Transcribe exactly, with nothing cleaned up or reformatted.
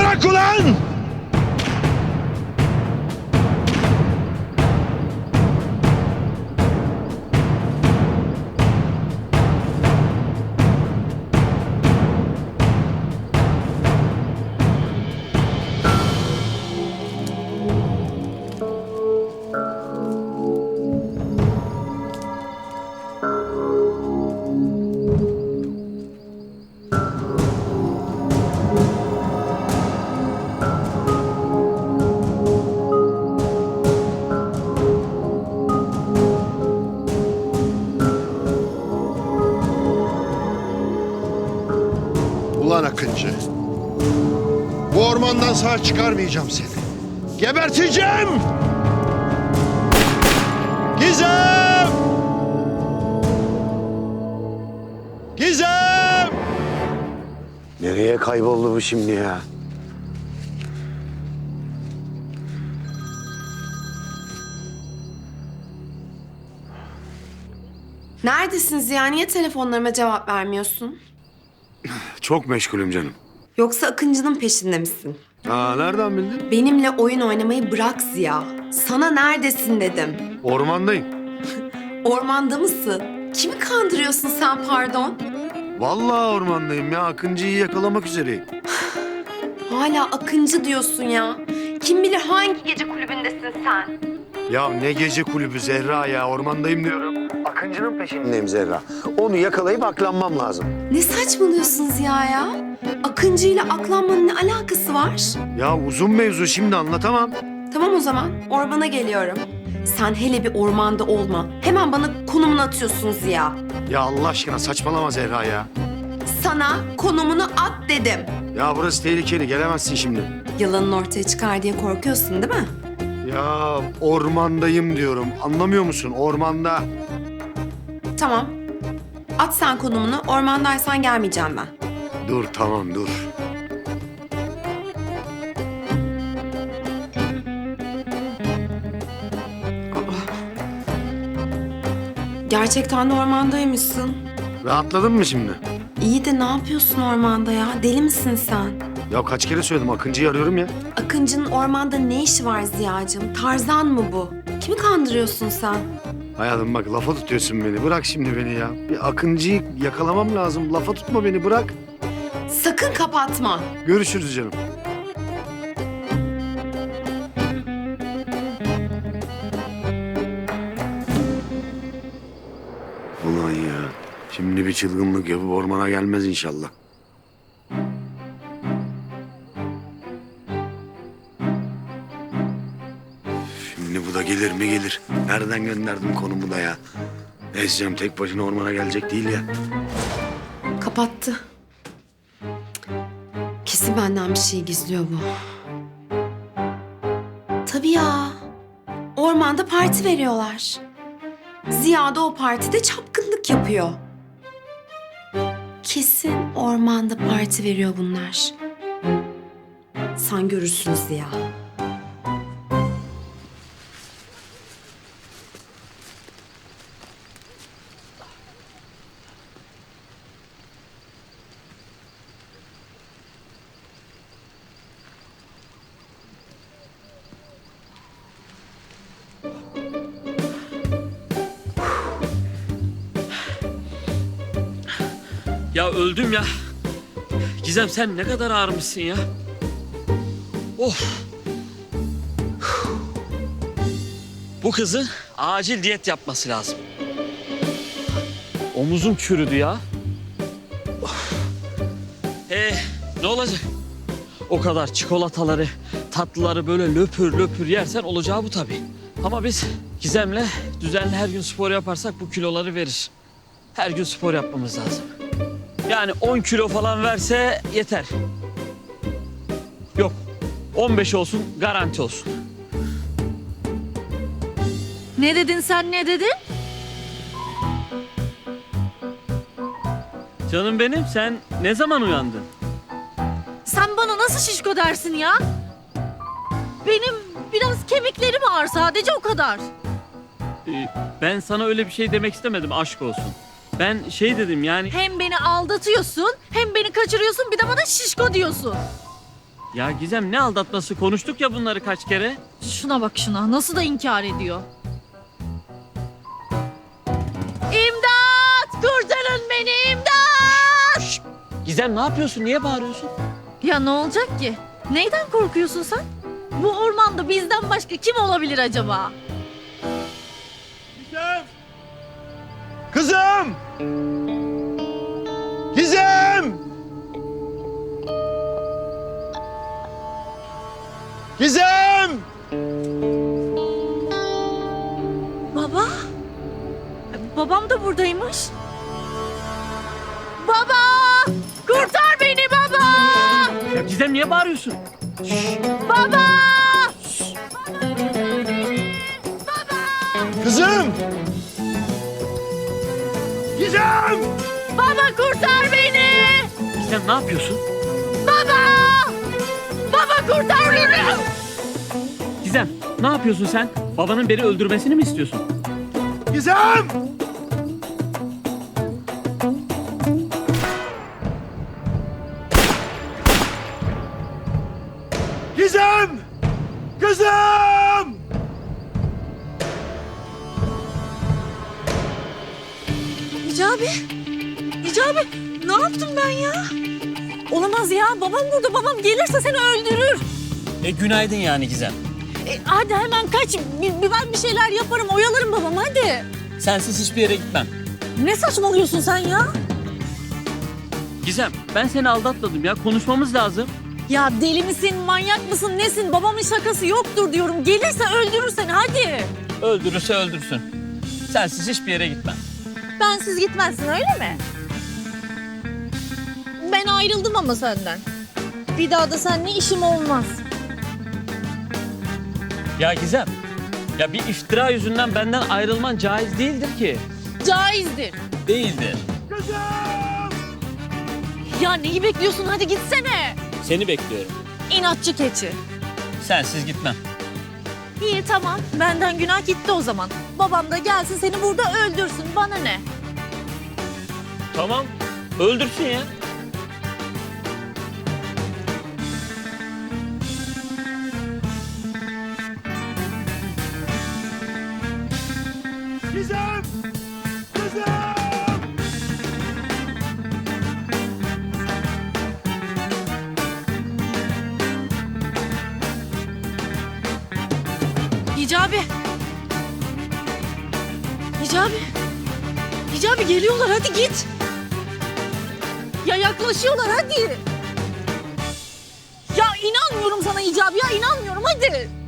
Bırak ulan! Ulan Akıncı, bu ormandan sağ çıkarmayacağım seni. Geberteceğim! Gizem! Gizem! Nereye kayboldu bu şimdi ya? Neredesin Ziya? Niye telefonlarıma cevap vermiyorsun? Çok meşgulüm canım. Yoksa Akıncı'nın peşinde misin? Aa, nereden bildin? Benimle oyun oynamayı bırak Ziya. Sana neredesin dedim. Ormandayım. Ormanda mısın? Kimi kandırıyorsun sen pardon? Vallahi ormandayım ya. Akıncı'yı yakalamak üzereyim. Hala Akıncı diyorsun ya. Kim bilir hangi gece kulübündesin sen? Ya ne gece kulübü Zehra ya. Ormandayım diyorum. Akıncı'nın peşindeyim Zehra. Onu yakalayıp aklanmam lazım. Ne saçmalıyorsun Ziya ya? Akıncı ile aklanmanın ne alakası var? Ya uzun mevzu, şimdi anlatamam. Tamam o zaman ormana geliyorum. Sen hele bir ormanda olma. Hemen bana konumunu atıyorsun Ziya. Ya Allah aşkına saçmalama Zehra ya. Sana konumunu at dedim. Ya burası tehlikeli, gelemezsin şimdi. Yalanın ortaya çıkar diye korkuyorsun değil mi? Ya ormandayım diyorum. Anlamıyor musun? Ormanda. Tamam. At sen konumunu. Ormandaysan gelmeyeceğim ben. Dur tamam dur. Gerçekten de ormandaymışsın. Rahatladın mı şimdi? İyi de ne yapıyorsun ormanda ya? Deli misin sen? Ya kaç kere söyledim, Akıncı'yı arıyorum ya. Akıncı'nın ormanda ne işi var Ziya'cığım? Tarzan mı bu? Kimi kandırıyorsun sen? Hayatım bak, lafa tutuyorsun beni. Bırak şimdi beni ya. Bir Akıncı'yı yakalamam lazım. Lafa tutma beni, bırak. Sakın kapatma. Görüşürüz canım. Ulan ya. Şimdi bir çılgınlık yapıp ormana gelmez inşallah. Şimdi bu da gelir mi gelir. Nereden gönderdim konumu da ya. Ezeceğim, tek başına ormana gelecek değil ya. Kapattı. Kesin benden bir şey gizliyor bu. Tabii ya. Ormanda parti veriyorlar. Ziya da o partide çapkınlık yapıyor. Kesin ormanda parti veriyor bunlar. Sen görürsün Ziya. Ya öldüm ya. Gizem sen ne kadar ağırmışsın ya. Oh. Bu kızın acil diyet yapması lazım. Omuzum çürüdü ya. Of. Ee, ne olacak? O kadar çikolataları, tatlıları böyle löpür löpür yersen olacağı bu tabii. Ama biz Gizem'le düzenli her gün spor yaparsak bu kiloları verir. Her gün spor yapmamız lazım. Yani on kilo falan verse yeter. Yok, on beş olsun, garanti olsun. Ne dedin sen, ne dedin? Canım benim, sen ne zaman uyandın? Sen bana nasıl şişko dersin ya? Benim biraz kemiklerim ağır, sadece o kadar. Ee, ben sana öyle bir şey demek istemedim, aşk olsun. Ben şey dedim yani... Hem beni aldatıyorsun, hem beni kaçırıyorsun, bir de bana şişko diyorsun. Ya Gizem ne aldatması? Konuştuk ya bunları kaç kere. Şuna bak şuna. Nasıl da inkar ediyor. İmdat! Kurtarın beni imdat! Gizem ne yapıyorsun? Niye bağırıyorsun? Ya ne olacak ki? Neyden korkuyorsun sen? Bu ormanda bizden başka kim olabilir acaba? Kızım! Gizem! Gizem! Baba? Babam da buradaymış. Baba! Kurtar beni baba! Ya Gizem niye bağırıyorsun? Baba! Kızım! Gizem! Baba kurtar beni! Gizem ne yapıyorsun? Baba! Baba kurtar beni! Gizem ne yapıyorsun sen? Babanın beni öldürmesini mi istiyorsun? Gizem! Gizem! Kızım! Hicabi! Hicabi! Ne yaptım ben ya? Olamaz ya. Babam burada. Babam gelirse seni öldürür. E günaydın yani Gizem. E, hadi hemen kaç. Bir, bir ben bir şeyler yaparım. Oyalarım babamı hadi. Sensiz hiçbir yere gitmem. Ne saçmalıyorsun sen ya? Gizem ben seni aldatmadım ya. Konuşmamız lazım. Ya deli misin, manyak mısın, nesin? Babamın şakası yoktur diyorum. Gelirse öldürür seni hadi. Öldürürse öldürsün. Sensiz hiçbir yere gitmem. Bensiz gitmezsin öyle mi? Ben ayrıldım ama senden. Bir daha da seninle işim olmaz. Ya Gizem. Ya bir iftira yüzünden benden ayrılman caiz değildir ki. Caizdir. Değildir. Ya neyi bekliyorsun? Hadi gitsene. Seni bekliyorum. İnatçı keçi. Sensiz gitmem. İyi tamam. Benden günah gitti o zaman. Babam da gelsin seni burada öldürsün. Bana ne? Tamam. Öldürsün ya. Gizem! Kızım! Hicabi. Hicabi. Hicabi geliyorlar hadi git. Ya yaklaşıyorlar hadi. Ya inanmıyorum sana Hicabi ya inanmıyorum hadi.